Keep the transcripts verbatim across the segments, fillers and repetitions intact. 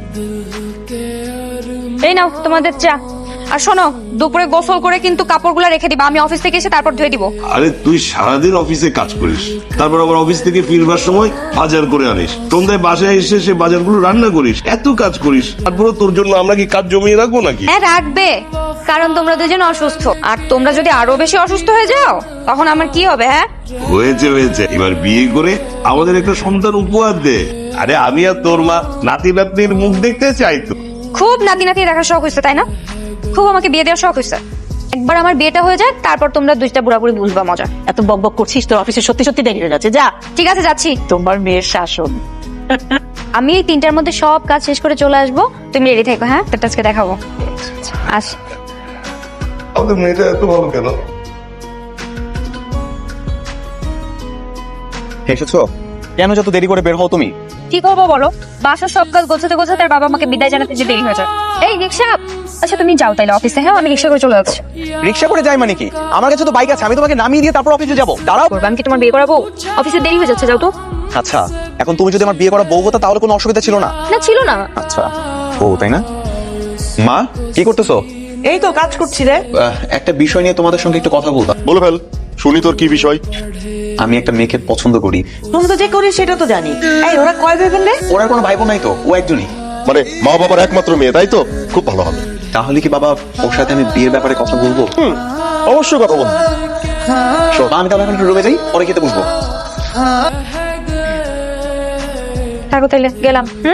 এই নাও তোমাদের চা। আর শোনো, দুপুরে গোসল করে কিন্তু কাপড়গুলো রেখে দিবা, আমি অফিস থেকে এসে তারপর ধুয়ে দিব। আরে তুই সারাদিন অফিসে কাজ করিস, তারপর আবার অফিস থেকে ফিরবার সময় বাজার করে আনিস, সন্ধ্যায় বাসায় এসে সে বাজারগুলো রান্না করিস, এত কাজ করিস, তারপরে তোর জন্য আমরা কি কাজ জমিয়ে রাখবো নাকি? হ্যাঁ রাখবে, কারণ তোমরা দুজন অসুস্থ, আর তোমরা যদি আরো বেশি অসুস্থ হয়ে যাও তখন আমার কি হবে? হ্যাঁ হয়েছে হয়েছে, এবার বিয়ে করে আমাদের একটা সন্তান উপহার দে। আরে আমি আর তোর মা নাতি নাতনির মুখ দেখতে চাই তো। খুব নাতি নাতি রাখার শখ হয়েছে তাই না? খুব আমাকে বিয়ে দেওয়ার শখ হয়েছে। একবার আমার বিয়েটা হয়ে যাক, তারপর তোমরা দুইটা বুড়াবুড়ি বুঝবা মজা। এত বকবক করছিস, তোর অফিসে সত্যি সত্যি দেরি হয়ে যাচ্ছে। যা, ঠিক আছে যাচ্ছি। তোমার মেয়ের শাসন। আমি এই তিনটার মধ্যে সব কাজ শেষ করে চলে আসবো, তুমি রেডি থেকো। হ্যাঁ, তোর আজকে দেখাবো। আস। আমাদের মেয়েটা এত ভালো কেন? এসেছো? কেন যত দেরি করে বের হও তুমি? কি করবো বলো, বাসার সব কাজ গোছাতে গোছাতে আর বাবা আমাকে বিদায় জানাতে যে দেরি হয়ে যায়। এই রিক্সা, আচ্ছা তুমি যাও তাইলে অফিসে। হ্যাঁ, আমি রিক্সা করে চলে যাচ্ছি। রিক্সা করে যাই মানে কি? আমার কাছে তো বাইক আছে, আমি তোমাকে নামিয়ে দিয়ে তারপর অফিসে যাবো। দাঁড়াও। করবো, আমি কি তোমার বিয়ে করাবো? অফিসে দেরি হয়ে যাচ্ছে, যাও তো। আচ্ছা, এখন তুমি যদি আমার বিয়ে করা বউ হতো তাহলে কোনো অসুবিধা ছিল না? না ছিল না। আচ্ছা, ও তাই না? মা, কি করতেছো? এই তো কাজ করছি রে। আহ, একটা বিষয় নিয়ে তোমাদের সঙ্গে একটু কথা বলতাম। বলে ফেল, শুনি তোর কি বিষয়। আমি একটা মেয়েকে পছন্দ করি। তুমি তো যে করিস সেটা তো জানি। এই ওরা কয় ভাই বোন রে? ওর আর কোনো ভাই বোন নাই তো, ও একজনই। মানে মা বাবার একমাত্র মেয়ে, তাই তো? খুব ভালো হবে। তাহলে কি বাবা ওর সাথে আমি বিয়ের ব্যাপারে কথা বলবো? অবশ্যই কথা বলবো। মা, আমি তাহলে এখন একটু রুমে যাই, পরে খেতে বসবো। থাকো তাইলে, গেলাম। হুম,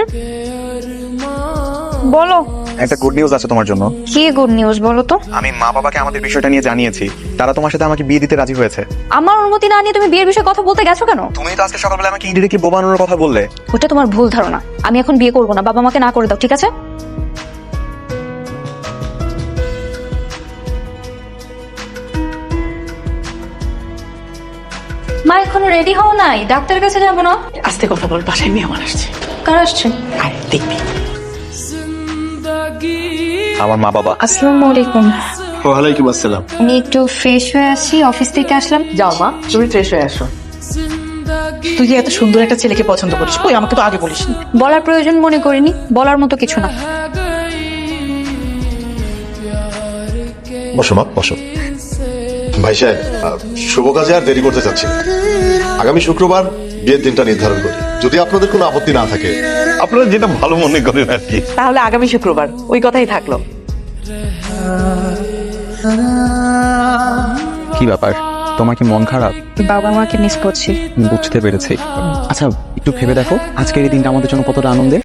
বলো। একটা গুড নিউজ আছে তোমার জন্য। কি গুড নিউজ বলো তো? আমি মা বাবাকে আমাদের বিষয়টা নিয়ে জানিয়েছি, তারা তোমার সাথে আমাকে বিয়ে দিতে রাজি হয়েছে। আমার অনুমতি না নিয়ে তুমি বিয়ের বিষয়ে কথা বলতে গেছো কেন? তুমি তো আজকে সকালবেলা আমাকে ইন্ডিরেক্টলি বোবানোর কথা বললে। ওটা তোমার ভুল ধারণা। আমি এখন বিয়ে করবো না, বাবা আমাকে না করে দাও, ঠিক আছে? মা এখনো রেডি হও নাই, ডাক্তারের কাছে যাবো না? আস্তে কথা বল, বাসায় মেহমান আসছে। কার আসছে? আরে দেখবি। আমার মা বাবা। আসসালামু আলাইকুম। ওয়ালাইকুম আসসালাম। আমি একটু ফ্রেশ হয়ে আসি, অফিস থেকে আসলাম। যাও মা, তুমি ফ্রেশ হয়ে আসো। তুই যে এত সুন্দর একটা ছেলেকে পছন্দ করিস, কই আমাকে তো আগে বলিসনি। বলার প্রয়োজন মনে করিনি, বলার মতো কিছু না। বসো মা, বসো। ভাই সাহেব, আহ, শুভ কাজে আর দেরি করতে চাচ্ছি না। আগামী শুক্রবার বিয়ের দিনটা নির্ধারণ করি, যদি আপনাদের কোনো আপত্তি না থাকে। আপনারা যেটা ভালো মনে করেন আর কি। তাহলে আগামী শুক্রবার, ওই কথাই থাকলো। কি ব্যাপার, তোমার কি মন খারাপ? বাবা মাকে মিস করছি। বুঝতে পেরেছি। আচ্ছা, একটু ভেবে দেখো আজকের এই দিনটা আমাদের জন্য কতটা আনন্দের।